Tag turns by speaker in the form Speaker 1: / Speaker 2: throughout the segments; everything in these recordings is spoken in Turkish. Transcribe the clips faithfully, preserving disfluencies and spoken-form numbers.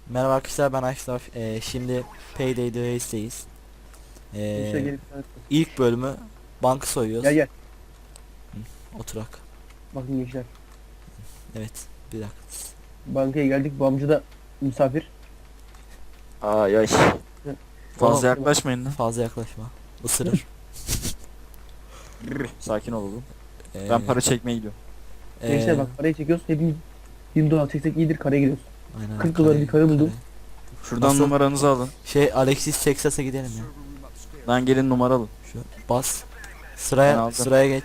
Speaker 1: Merhaba arkadaşlar, ben Aşraf. Ee, şimdi Payday the Race'deyiz.
Speaker 2: İşe
Speaker 1: Ee,
Speaker 2: gelip
Speaker 1: ilk bölümü banka soyuyoruz.
Speaker 2: gel gel.
Speaker 1: Oturak.
Speaker 2: Bakın gençler.
Speaker 1: Evet, bir dakika.
Speaker 2: Bankaya geldik. Bu amca da misafir.
Speaker 3: Ay ay.
Speaker 2: Hı.
Speaker 3: Fazla
Speaker 2: Tamam.
Speaker 3: yaklaşmayın lan.
Speaker 1: Fazla yaklaşma. Isırır.
Speaker 3: Sakin olalım.
Speaker 1: Ee,
Speaker 3: Ben para çekmeye gidiyorum.
Speaker 1: ee,
Speaker 2: Gençler bak, parayı çekiyoruz. Hepimiz yirmi dolar çeksek iyidir, karaya gidiyoruz.
Speaker 1: aynen,
Speaker 2: kırk dolar bir kare buldum.
Speaker 3: Şuradan
Speaker 1: Nasıl?
Speaker 3: numaranızı alın.
Speaker 1: Şey, Alexis Texas'a gidelim ya.
Speaker 3: Lan gelin numara alın.
Speaker 1: Şu bas.
Speaker 3: Ben
Speaker 1: Sıraya
Speaker 3: aldım.
Speaker 1: sıraya geç.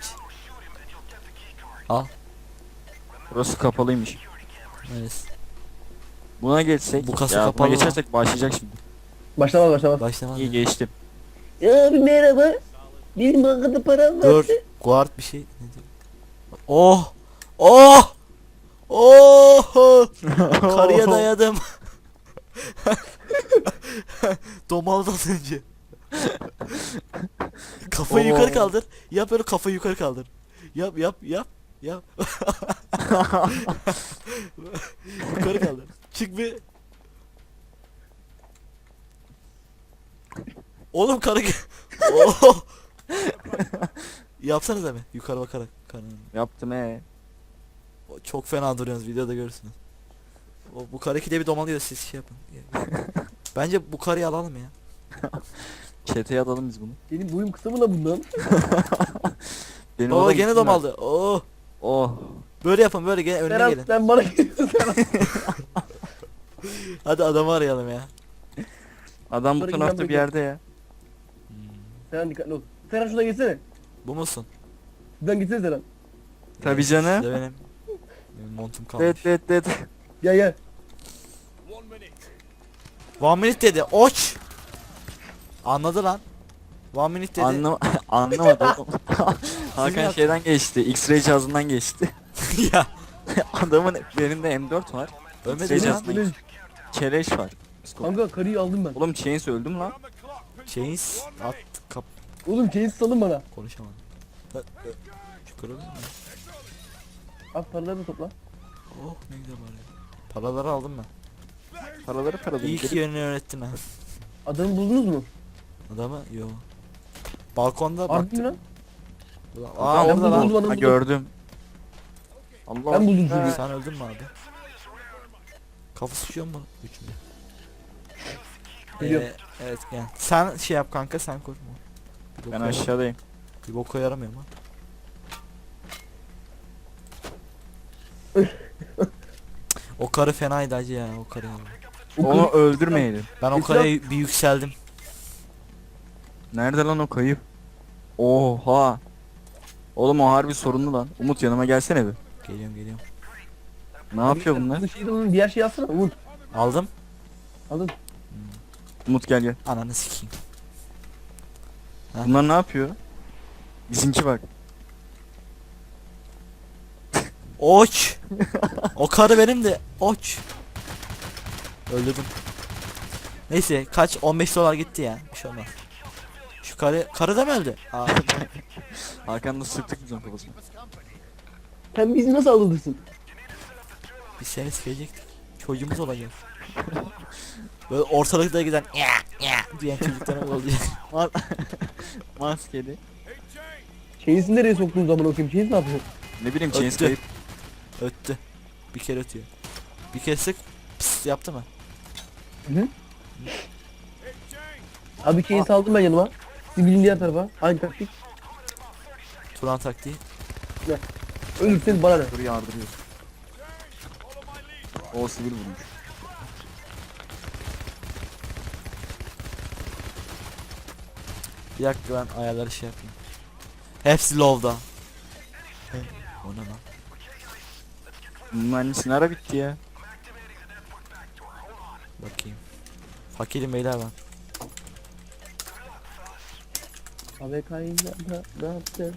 Speaker 1: Al.
Speaker 3: Burası kapalıymış.
Speaker 1: Evet.
Speaker 3: Buna geçsek.
Speaker 1: Bu kasa
Speaker 3: ya
Speaker 1: kapalı
Speaker 3: buna
Speaker 1: mı?
Speaker 3: geçersek başlayacak şimdi.
Speaker 2: Başlamaz başlamaz.
Speaker 1: Başlamaz.
Speaker 3: İyi
Speaker 1: ya.
Speaker 3: geçtim.
Speaker 2: Abi merhaba. Benim bankada param var.
Speaker 1: Dur. Guard bir şey. Ne diyor? Oh! Oh! Oh! Karıya dayadım. Domaldı az önce. Kafayı
Speaker 3: Oo.
Speaker 1: yukarı kaldır. Yap öyle, kafayı yukarı kaldır. Yap yap yap yap. Yukarı kaldır. Çık bir. Oğlum karı. Oh! Yapsanız hemen yukarı bakarak karının.
Speaker 3: Yaptım he.
Speaker 1: O çok fena duruyorsunuz, videoda görürsünüz. O bu karı ikide bir domalıyor, siz şey yapın. Bence bu karıyı alalım ya.
Speaker 3: Çeteye alalım biz bunu.
Speaker 2: Benim boyum kısa mı la bundan?
Speaker 3: Benim
Speaker 1: Baba
Speaker 3: adam
Speaker 1: gene
Speaker 3: kim
Speaker 1: domaldı. Oh.
Speaker 3: var? Oh.
Speaker 1: Böyle yapın, böyle gene önüne
Speaker 2: Serhat
Speaker 1: gelin.
Speaker 2: sen bana geliyorsun Serhat.
Speaker 1: Hadi adamı arayalım ya.
Speaker 3: Adam bu
Speaker 2: Bunları
Speaker 3: tarafta
Speaker 2: giden
Speaker 3: bir yerde ya.
Speaker 2: Serhat dikkatli ol. Serhat şuna geçsene.
Speaker 1: Bu musun?
Speaker 2: Şuradan gitsene Serhat.
Speaker 3: Tabii
Speaker 1: Evet,
Speaker 3: canım.
Speaker 1: işte benim. Benim montum kalmış.
Speaker 3: Det det det.
Speaker 2: Gel gel.
Speaker 1: One minute dedi. Oç. Anladı lan. One minute dedi.
Speaker 3: Anlam anlamadım. oğlum. Hakan
Speaker 1: yaptın?
Speaker 3: şeyden geçti. X-ray cihazından geçti.
Speaker 1: Ya.
Speaker 3: Adamın benim de M dört var.
Speaker 1: Ölmedi
Speaker 3: X-ray
Speaker 1: lan.
Speaker 3: cihazından Keleş var.
Speaker 2: Kanka karıyı aldım ben.
Speaker 3: Oğlum Chains öldüm lan.
Speaker 1: Chains at kap
Speaker 2: Oğlum chains salın bana.
Speaker 1: konuşamadım. Ö- ö- Şükür olsun ya.
Speaker 2: Al paraları da topla.
Speaker 1: Oh ne güzel bari. Paraları aldım ben.
Speaker 3: Paraları paraları.
Speaker 1: İyi ki yönünü öğrettin ha.
Speaker 2: Adamı buldunuz mu?
Speaker 1: Adamı yo. Balkonda
Speaker 2: Harbi
Speaker 1: baktım.
Speaker 2: mi lan?
Speaker 1: Aa
Speaker 2: Ben
Speaker 1: orada lan.
Speaker 2: buldum, adamı
Speaker 3: Ha,
Speaker 2: buldum.
Speaker 3: gördüm. Allah.
Speaker 2: Ben buldum
Speaker 3: Ha.
Speaker 2: çocuğu.
Speaker 1: Sen öldün mü abi? Kafa sıçıyor mu üçünde?
Speaker 2: Geliyorum.
Speaker 1: Ee, evet gel. Sen şey yap kanka, sen koş. Bir
Speaker 3: Ben
Speaker 1: boka-
Speaker 3: aşağıdayım.
Speaker 1: Bir boka yaramıyor mu? O karı fenaydı acı ya, o karı.
Speaker 2: O
Speaker 3: Onu
Speaker 2: kız-
Speaker 3: öldürmeyelim.
Speaker 1: Ben o
Speaker 2: Esra-
Speaker 1: karıya bir yükseldim.
Speaker 3: Nerede lan o kayıp? Oha. Oğlum o harbi sorunlu lan. Umut yanıma gelsene bir.
Speaker 1: Geliyorum geliyorum.
Speaker 3: Ne yapıyor bunlar?
Speaker 2: Bu şeyde onun diğer şeyi alsana Umut.
Speaker 1: Aldım.
Speaker 2: Aldın.
Speaker 3: Umut gel gel.
Speaker 1: Ananı sikeyim. Ha?
Speaker 3: Bunlar ne yapıyor? Bizimki bak.
Speaker 1: Oç. O karı benim de. Oç. Öldürdüm. Neyse kaç, on beş dolar gitti ya. Bir şey olmaz. Şu karı karı da mı öldü? Aa,
Speaker 3: Hakan'la sıktık biz onun kafasına.
Speaker 2: Sen bizi nasıl aldırsın?
Speaker 1: biz seni sikecektik. Çocuğumuz olacak. Böyle ortalıkta giden ya ya diyen çocuklara olacak.
Speaker 3: Ma Maskeli.
Speaker 2: Chains'i nereye soktuğun zaman okuyayım. Chains ne yapıyor?
Speaker 3: Ne bileyim Chains
Speaker 1: Öttü.
Speaker 3: kayıp.
Speaker 1: Öttü. Bir kere ötüyor. Bir kere sık pıs yaptı mı?
Speaker 2: Hı? Abi Chains aldım ben yanıma. Siz bilin diğer tarafa. Aynı taktik.
Speaker 1: Turan taktiği.
Speaker 2: Ölürseniz bana ne?
Speaker 3: Dur yardırıyor. O sivil vurmuş.
Speaker 1: Bir dakika, ben ayarları şey yapayım. Hepsi low'da. O ne lan?
Speaker 3: Bunun annesi nara bitti ya.
Speaker 1: Bakayım. Fakirim beyler ben.
Speaker 2: Abi kayınca da ne yaptın?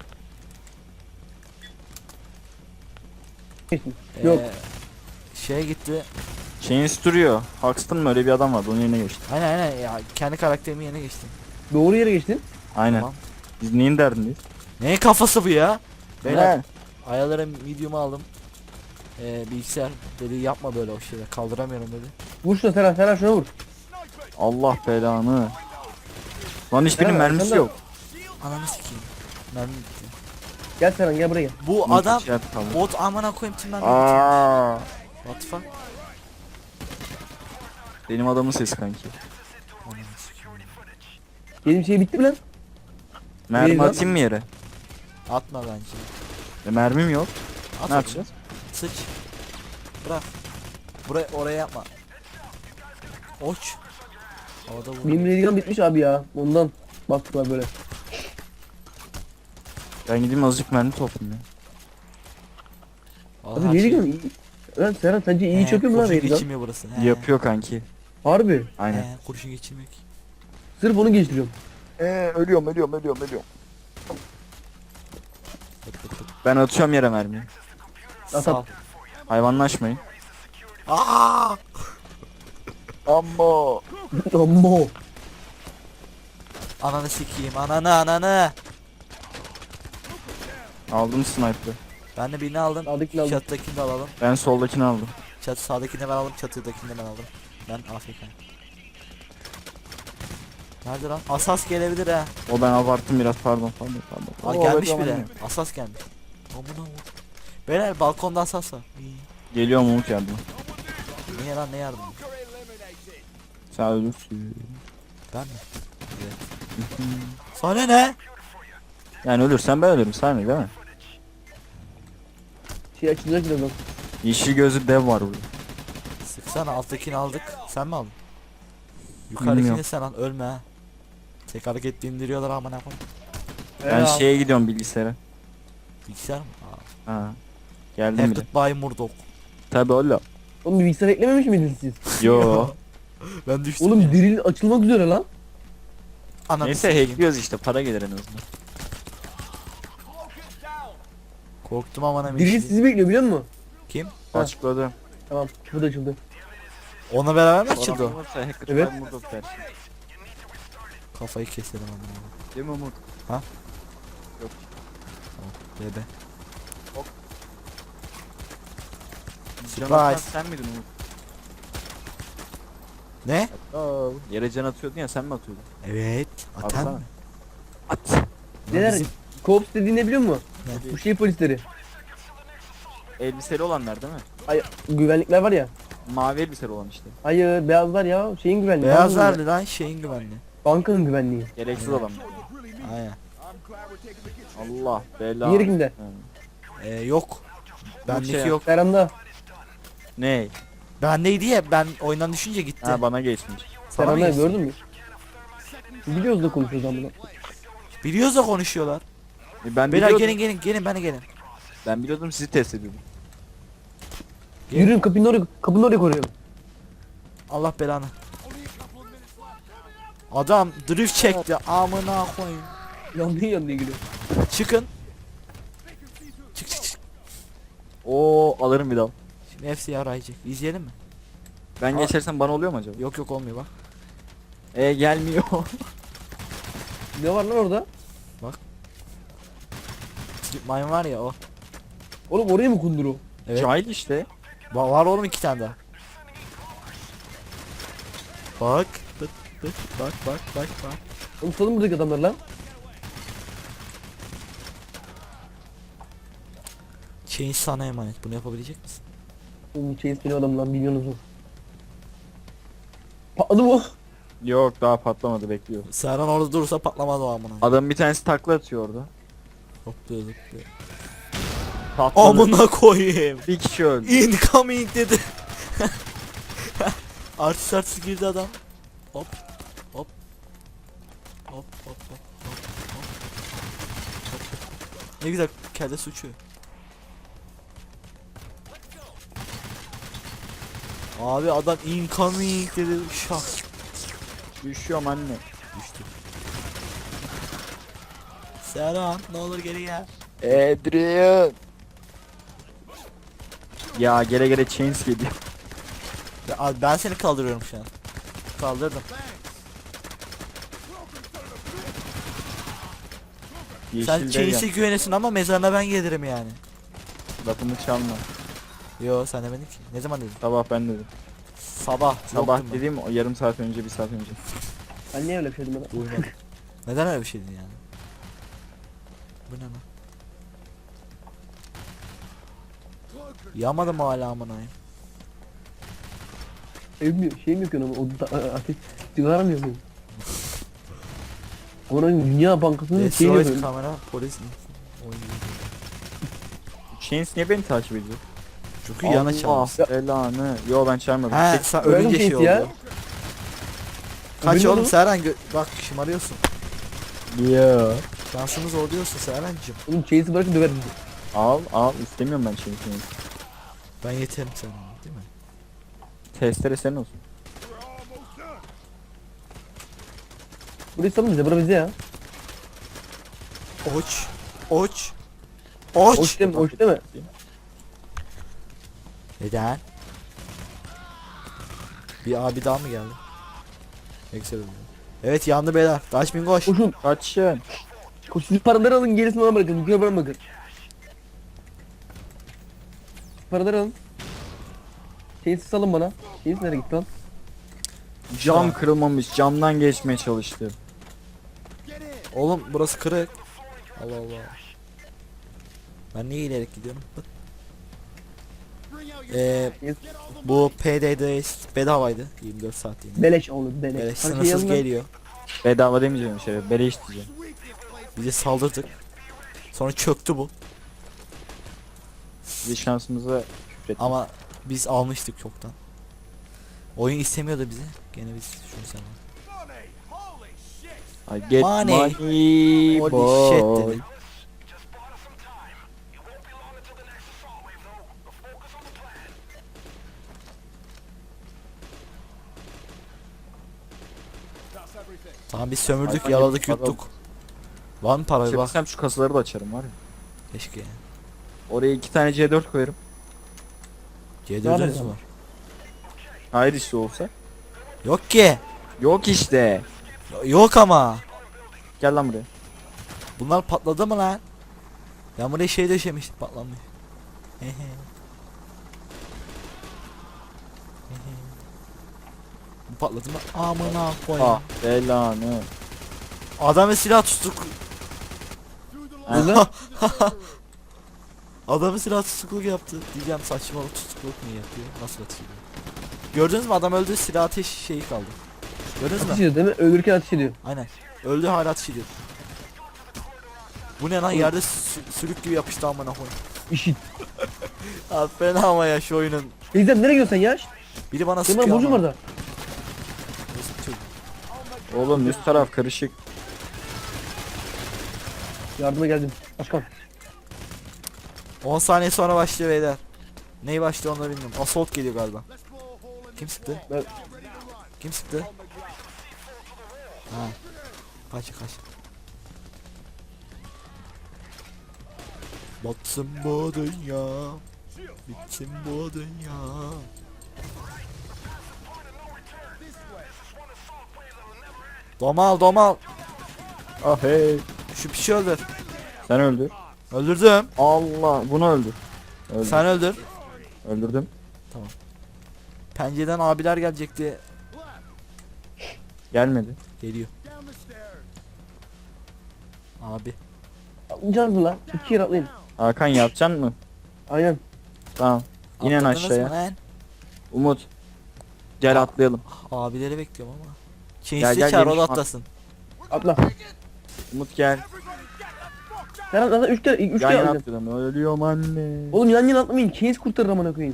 Speaker 2: Yok.
Speaker 1: Ee, şeye gitti.
Speaker 3: Chains duruyor. Huxton mı öyle bir adam vardı onun yerine geçti.
Speaker 1: Aynen aynen ya, kendi karakterimin yerine geçtim.
Speaker 2: Doğru yere geçtin.
Speaker 3: Aynen.
Speaker 1: Tamam.
Speaker 3: Biz neyin derdindeyiz?
Speaker 1: Neyin kafası bu ya? Beyler
Speaker 3: Ne?
Speaker 1: ayarlara videomu aldım. Ee, bilgisayar dedi yapma böyle o şeyler, kaldıramıyorum dedi.
Speaker 2: Vur şuna Serhan, Serhan şuna vur.
Speaker 3: Allah belanı. Lan hiçbirinin
Speaker 2: Serhan,
Speaker 3: mermisi
Speaker 2: sen de-
Speaker 3: yok.
Speaker 1: Ananı sikeyim. Mermi bitti.
Speaker 2: Gel Serhan, gel buraya gel.
Speaker 1: Bu
Speaker 3: Umut
Speaker 1: adam
Speaker 3: içeride kaldı.
Speaker 1: bot amına koyayım tim mermi.
Speaker 3: Aa,
Speaker 1: What the fuck?
Speaker 3: benim adamın sesi kanki.
Speaker 1: Ananı sikeyim.
Speaker 2: Benim şey bitti mi lan?
Speaker 3: Mermi
Speaker 2: Değil lan.
Speaker 3: atayım mı yere?
Speaker 1: Atma bence.
Speaker 3: E, mermim yok.
Speaker 1: At
Speaker 3: Ne
Speaker 1: oğlum.
Speaker 3: yapacağız?
Speaker 1: Sıç. Bırak. Buraya oraya yapma. Oç. Havada vur.
Speaker 2: Benim redigan bitmiş abi ya. Ondan baktılar böyle.
Speaker 3: Ben gideyim azıcık mermi toplayayım ya.
Speaker 1: Vallahi
Speaker 2: Abi
Speaker 1: her şey-
Speaker 2: redigan iyi. Lan Serhan sence iyi
Speaker 1: He,
Speaker 2: çöküyor mu lan
Speaker 1: kurşun
Speaker 2: redigan?
Speaker 1: geçirmiyor burası. He.
Speaker 3: Yapıyor kanki.
Speaker 2: Harbi.
Speaker 3: Aynen.
Speaker 1: He, kurşun geçirmiyor ki.
Speaker 2: Sırf onu geçtiriyorum.
Speaker 3: Eee ölüyorum ölüyorum ölüyorum ölüyorum.
Speaker 1: Pıt pıt pıt.
Speaker 3: Ben atıyorum yere mermiyi.
Speaker 2: At,
Speaker 1: Sağ ol.
Speaker 2: at.
Speaker 3: Hayvanlaşmayın.
Speaker 1: Aa!
Speaker 3: Amma.
Speaker 2: Amma.
Speaker 1: Ananı sikeyim. Ananı ananı.
Speaker 3: Aldım sniper'ı.
Speaker 1: Ben de birini aldım.
Speaker 2: Sağdakini aldım.
Speaker 1: Çatıdakini de alalım.
Speaker 3: Ben soldakini aldım.
Speaker 1: Çatı sağdakini ben aldım. Çatıdakini de ben aldım. Ben Afrika. Nerede lan? Asas gelebilir ha.
Speaker 3: O ben abarttım biraz pardon pardon pardon.
Speaker 1: Aa,
Speaker 3: Oo,
Speaker 1: gelmiş
Speaker 3: evet,
Speaker 1: bile.
Speaker 3: aman
Speaker 1: Asas gelmiş. Amına vur. Beyler balkonda asas var. İyi.
Speaker 3: Geliyorum Umut yardıma.
Speaker 1: Niye lan ne yardım?
Speaker 3: Sen ölürsün.
Speaker 1: Ben mi? Evet. Sana ne?
Speaker 3: Yani ölürsen ben ölürüm sen mi değil mi?
Speaker 2: Şey açılacak birazdan.
Speaker 3: Yeşil gözlü dev var burada.
Speaker 1: Sıksana alttakini aldık. Sen mi aldın?
Speaker 3: Bilmiyorum.
Speaker 1: Yukarıdakini sen al. Ölme ha. Tek hareket indiriyorlar amına koyayım.
Speaker 3: Ben
Speaker 2: Ee,
Speaker 3: şeye gidiyorum bilgisayara.
Speaker 1: Bilgisayar mı? Aa.
Speaker 3: Ha. Geldim bile.
Speaker 1: Hacked by Murdoch.
Speaker 3: Tabi öyle.
Speaker 2: Oğlum bir bilgisayar eklememiş miydiniz siz?
Speaker 3: Yo.
Speaker 1: Ben düştüm.
Speaker 2: Oğlum diril açılmak üzere lan.
Speaker 1: Ananı
Speaker 3: Neyse
Speaker 1: sikeyim.
Speaker 3: hackliyoruz işte para gelir en azından.
Speaker 1: Korktum amına
Speaker 2: Diril
Speaker 1: meşhur.
Speaker 2: sizi bekliyor biliyor musun?
Speaker 1: Kim?
Speaker 2: Ha.
Speaker 3: Açıkladım.
Speaker 2: Tamam. Bu da açıldı.
Speaker 1: Ona beraber mi açıldı o?
Speaker 3: Evet.
Speaker 2: Evet.
Speaker 1: Kafayı keselim amına.
Speaker 3: Değil mi Umut?
Speaker 1: Bebe.
Speaker 3: Can
Speaker 1: Surprise.
Speaker 3: atan sen miydin Umut?
Speaker 1: Ne?
Speaker 3: Aa, yere can atıyordun ya sen mi atıyordun?
Speaker 1: Evet. Atan
Speaker 3: Atsana.
Speaker 1: mı?
Speaker 3: At.
Speaker 2: Neler?
Speaker 1: bizim-
Speaker 2: Koops dediğin ne biliyor musun?
Speaker 1: Ne?
Speaker 2: Bu şey polisleri.
Speaker 3: Elbiseli olanlar değil mi?
Speaker 2: Ay güvenlikler var ya.
Speaker 3: Mavi elbiseli olan işte.
Speaker 2: Hayır beyazlar ya. Şeyin güvenliği.
Speaker 1: Beyaz
Speaker 2: bankanın
Speaker 1: verdi lan şeyin güvenli.
Speaker 2: Bankanın güvenliği.
Speaker 3: Gereksiz olan.
Speaker 1: Aynen.
Speaker 3: Allah bela.
Speaker 2: Diğeri kimde?
Speaker 3: Ha.
Speaker 1: Ee, yok. Bendeki
Speaker 3: şey-
Speaker 1: yok.
Speaker 2: Serhan'da.
Speaker 3: Ne?
Speaker 1: Bendeydi ya ben oyundan düşünce gitti.
Speaker 3: Ha bana geçmiş.
Speaker 1: Sana mı
Speaker 2: Serhan'da
Speaker 1: geçti?
Speaker 2: gördün mü? Biliyoruz da konuşuyoruz ama.
Speaker 1: Biliyoruz da konuşuyorlar.
Speaker 3: E, ben
Speaker 1: Beyler
Speaker 3: biliyordum.
Speaker 1: gelin gelin gelin bana gelin.
Speaker 3: Ben biliyordum sizi test ediyordum.
Speaker 1: Gel.
Speaker 2: Yürüyün kapının oraya, kapının oraya koruyorum.
Speaker 1: Allah belanı. Adam drift çekti amına koyayım.
Speaker 2: Yandığı yandığı gülüyor.
Speaker 1: Çıkın. Çık çık çık.
Speaker 3: Oo alırım bir daha.
Speaker 1: Şimdi hepsi yarayacak. İzleyelim mi?
Speaker 3: Ben
Speaker 1: Aa.
Speaker 3: geçersem bana oluyor mu acaba?
Speaker 1: Yok yok olmuyor bak.
Speaker 3: E gelmiyor.
Speaker 2: Ne var lan orada?
Speaker 1: Slip mine var ya o.
Speaker 2: Oğlum oraya mı kundur o?
Speaker 1: Evet.
Speaker 3: Cahil işte.
Speaker 1: Va- var oğlum iki tane daha. Bak. Bak bak bak bak bak bak.
Speaker 2: Oğlum salın buradaki adamlar lan.
Speaker 1: Chain sana emanet. Bunu yapabilecek misin?
Speaker 2: Oğlum Chase benim adam lan biliyorsunuz mu? Patladı bu.
Speaker 3: Yok daha patlamadı bekliyor.
Speaker 1: Serhan orada durursa patlamaz o amına.
Speaker 3: Adam bir tanesi takla atıyor orada.
Speaker 1: Hopluyor zıplıyor.
Speaker 3: Patladı.
Speaker 1: Amına koyayım.
Speaker 3: Bir kişi öldü.
Speaker 1: Incoming dedi. Artist artist girdi adam. Hop. Hop. Hop hop hop hop hop. Hop. Ne güzel kelle suçu. Abi adam incoming dedi şak.
Speaker 3: Düşüyorum anne.
Speaker 1: Düştü. Serhan ne olur geri gel.
Speaker 3: Adrian. Ya gele gele chains geliyor.
Speaker 1: Ya abi ben seni kaldırıyorum şu an. Kaldırdım. Sen
Speaker 3: Yeşil
Speaker 1: Chains'e
Speaker 3: dev
Speaker 1: güvenesin ama mezarına ben gelirim yani.
Speaker 3: lafımı çalma.
Speaker 1: Yo sen demedin ki. Ne zaman dedin?
Speaker 3: Sabah ben dedim.
Speaker 1: Sabah.
Speaker 3: Sabah
Speaker 1: yoktum ben.
Speaker 3: dediğim o yarım saat önce, bir saat önce.
Speaker 2: Ben niye öyle bir şey dedim bana?
Speaker 1: Duymadım. Neden öyle bir şey dedin yani? Bu ne lan? Yamadım hala amına koyayım.
Speaker 2: Evim yok, şeyim yok ama o da ateş sigaram yok benim. Onun Dünya Bankası'nın şeyi yok
Speaker 1: Destroy
Speaker 2: benim.
Speaker 1: kamera polis oyun.
Speaker 3: Chains niye beni takip ediyor?
Speaker 1: Çünkü yana
Speaker 3: Allah
Speaker 1: çalmış.
Speaker 3: belanı. Yo ben çağırmadım.
Speaker 1: He
Speaker 3: Tek-
Speaker 1: sen
Speaker 2: Öyle
Speaker 1: ölünce
Speaker 2: mi
Speaker 1: şey
Speaker 2: şey
Speaker 1: oldu.
Speaker 2: ya?
Speaker 1: Kaç
Speaker 2: Öbürü
Speaker 1: oğlum
Speaker 2: ne?
Speaker 1: Serhan gö- bak şımarıyorsun.
Speaker 3: Ya.
Speaker 1: Şansımız oluyorsun Serhan'cım.
Speaker 2: Oğlum chase'i bırakın döverim bizi.
Speaker 3: Al al istemiyorum ben Chains'i.
Speaker 1: Ben yeterim sana değil mi?
Speaker 3: Testere senin olsun.
Speaker 2: Burayı salın bize, bura bize ya.
Speaker 1: Oç. Oç. Oç.
Speaker 2: Hoş değil mi? Hoş değil mi?
Speaker 1: Neden? Bir abi daha mı geldi? Excel oluyor. Evet yandı beyler. Kaçmayın koş.
Speaker 2: Koşun.
Speaker 3: Kaçın.
Speaker 2: Koş siz paraları alın, gerisini bana bırakın. Yukarı bana bakın. Paraları alın. Chase'i salın bana. Chase nereye gitti lan?
Speaker 3: Cam kırılmamış, camdan geçmeye çalıştı.
Speaker 1: Oğlum burası kırık. Allah Allah. Ben niye ilerek gidiyorum? Bak. Ee, bu P D D bedavaydı. yirmi dört saat yine.
Speaker 2: Beleş oğlum, beleş.
Speaker 1: Böyle
Speaker 2: Hadi şey
Speaker 1: sınırsız
Speaker 2: alın lan.
Speaker 1: geliyor.
Speaker 3: Bedava demeyeceğim şöyle, beleş diyeceğim.
Speaker 1: Bize saldırdık. Sonra çöktü bu.
Speaker 3: Biz şansımıza küfrettik.
Speaker 1: Ama biz almıştık çoktan. Oyun istemiyordu bizi. Gene biz şunu sen al.
Speaker 3: I get
Speaker 1: Money.
Speaker 3: money,
Speaker 1: Holy
Speaker 3: boy.
Speaker 1: shit dedi. Tamam biz sömürdük,
Speaker 3: Hayvan
Speaker 1: yaladık,
Speaker 3: gibi para
Speaker 1: yuttuk. Var mı para bir bak.
Speaker 3: Çevirsem şu kasaları da açarım var ya.
Speaker 1: Keşke ya.
Speaker 3: Oraya iki tane C dört koyarım.
Speaker 1: C
Speaker 2: Ne
Speaker 1: dördünüz
Speaker 2: alacağım?
Speaker 1: var.
Speaker 3: Hayır işte olsa.
Speaker 1: Yok ki.
Speaker 3: Yok işte.
Speaker 1: Yok ama.
Speaker 3: Gel lan buraya.
Speaker 1: Bunlar patladı mı lan? Ben buraya şey döşemiştim, patlamış. Hehe. Hehe. Bu patladı mı? Amına koyayım.
Speaker 3: Ah belanı.
Speaker 1: Adamı silah tuttuk.
Speaker 2: Burada
Speaker 1: Adamı silah tutukluk yaptı. Diyeceğim saçmalık tutukluk mu yapıyor? Nasıl atıyor? Gördünüz mü adam öldü, silah ateş şeyi kaldı. Gördünüz
Speaker 2: ateş
Speaker 1: mü?
Speaker 2: ediyor değil mi? Ölürken ateş ediyor.
Speaker 1: Aynen. Öldü hala ateş ediyor. Bu ne lan, yerde sü- sürük gibi yapıştı amına koyayım.
Speaker 2: İşit.
Speaker 1: Abi fena ama ya şu oyunun.
Speaker 2: Teyzem nereye gidiyorsun sen ya?
Speaker 1: Biri bana
Speaker 2: Senin bana
Speaker 1: sıkıyor
Speaker 2: borcum
Speaker 1: ama.
Speaker 2: var da.
Speaker 1: Nasıl tutuyor?
Speaker 3: Oğlum üst taraf karışık.
Speaker 2: Yardıma geldim. Başkan.
Speaker 1: on saniye sonra başlıyor beyler. Neyi başlıyor onu da bilmiyorum. Assault geliyor galiba. Kim sıktı?
Speaker 2: Ben-
Speaker 1: Kim sıktı? Ha. Kaç kaç. Batsın bu dünya. Bitsin bu dünya. Domal domal.
Speaker 3: Ah hey.
Speaker 1: Şu pişi öldür.
Speaker 3: Sen öldür.
Speaker 1: Öldürdüm.
Speaker 3: Allah bunu öldür. Öldür.
Speaker 1: Sen öldür.
Speaker 3: Öldürdüm.
Speaker 1: Pencereden abiler gelecekti.
Speaker 3: Gelmedi.
Speaker 1: Geliyor. Abi.
Speaker 2: Atlayacağız mı lan? İki kere atlayın.
Speaker 3: Hakan yapacaksın mı?
Speaker 2: Aynen.
Speaker 3: Tamam. İnen
Speaker 1: Atladınız
Speaker 3: aşağıya.
Speaker 1: mı lan?
Speaker 3: Umut. Gel atlayalım.
Speaker 1: Abileri bekliyorum ama.
Speaker 3: Gel,
Speaker 1: Chainsi
Speaker 3: gel,
Speaker 1: çağır,
Speaker 3: gel.
Speaker 1: o da atlasın.
Speaker 2: Atla.
Speaker 3: Umut gel.
Speaker 2: Sen atla üç kere, üç
Speaker 3: Yan
Speaker 2: kere
Speaker 3: yana
Speaker 2: atlayacağım.
Speaker 3: atlayalım. Ölüyorum anne.
Speaker 2: Oğlum yan yana atlamayın. Chains kurtarır amına koyayım.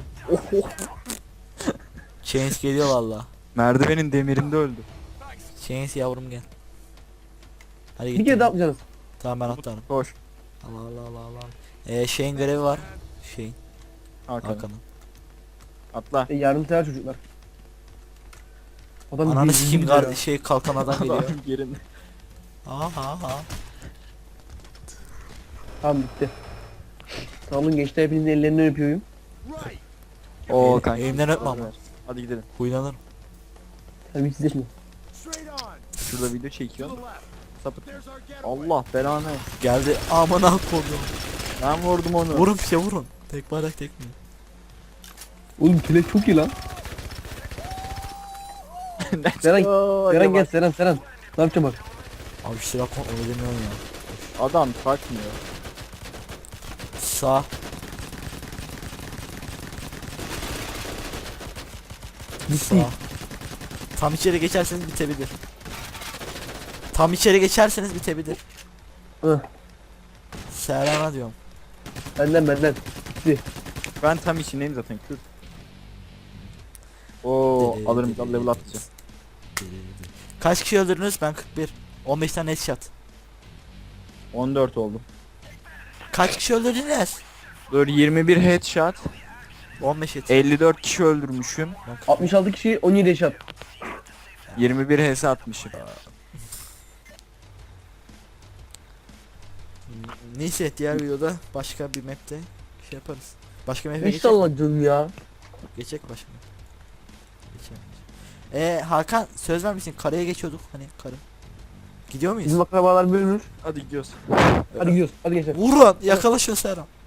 Speaker 1: Chains geliyor valla.
Speaker 3: Merdivenin demirinde öldü.
Speaker 1: Chains yavrum gel. Hadi
Speaker 2: Bir
Speaker 1: git.
Speaker 2: kere daha atlayacağız.
Speaker 1: Tamam ben atlarım.
Speaker 3: Koş.
Speaker 1: Allah Allah Allah Allah. Ee, şeyin görevi var. Şeyin.
Speaker 3: Hakan.
Speaker 1: Hakan'ın.
Speaker 3: Atla.
Speaker 2: E, yardımsever çocuklar. Adam
Speaker 1: Ananı
Speaker 2: bir-
Speaker 1: sikeyim
Speaker 2: bir-
Speaker 1: gar şey kalkan adam geliyor.
Speaker 3: Adam yerinde.
Speaker 1: Aha aha.
Speaker 2: Tamam bitti. Sağ olun gençler, hepinizin ellerinden öpüyorum.
Speaker 3: Oo
Speaker 1: Elim-
Speaker 3: kanka.
Speaker 1: elimden öpme ama.
Speaker 3: Hadi gidelim.
Speaker 1: Huylanırım.
Speaker 2: Terbiyesizleşme.
Speaker 3: Şurada video çekiyorum. Sapıt. Allah belanı.
Speaker 1: Geldi. Amına koydum.
Speaker 3: Ben vurdum onu.
Speaker 1: Vurun bir şey vurun. Tek bayrak tek mi?
Speaker 2: Oğlum kelek çok iyi lan.
Speaker 3: Let's
Speaker 2: Seren,
Speaker 3: go.
Speaker 2: Seren
Speaker 3: Yavaş.
Speaker 2: gel Seren Seren. Ne yapacağım bak.
Speaker 1: Abi şu silah kontrol edemiyorum ya.
Speaker 3: Adam takmıyor.
Speaker 1: Sağ.
Speaker 2: Bitti.
Speaker 1: Sağ. Tam içeri geçerseniz bitebilir. Tam içeri geçerseniz bitebilir.
Speaker 2: Hı.
Speaker 1: Serena diyorum.
Speaker 2: Benden benden. Bitti.
Speaker 3: Ben tam içindeyim zaten. Kür. Oo alırım level atacağım.
Speaker 1: Kaç kişi öldürdünüz? Ben kırk bir. on beş tane headshot.
Speaker 3: on dört oldum.
Speaker 1: Kaç kişi öldürdünüz?
Speaker 3: Dur yirmi bir headshot.
Speaker 1: on beş headshot.
Speaker 3: elli dört kişi öldürmüşüm.
Speaker 1: Ben kırk bir.
Speaker 2: altmış altı kişi on yedi yaşat.
Speaker 3: yirmi bir H S atmışım.
Speaker 1: Neyse diğer videoda başka bir map'te şey yaparız. Başka map'e geçecek.
Speaker 2: İnşallah canım ya.
Speaker 1: Geçecek başka map. Geçelim. Eee Hakan söz vermişsin karaya geçiyorduk hani karı. Gidiyor muyuz?
Speaker 2: Bizim akrabalar bölünür.
Speaker 3: Hadi gidiyoruz.
Speaker 2: Hadi gidiyoruz. Hadi geçelim.
Speaker 1: Vurun yakala şu Serhan.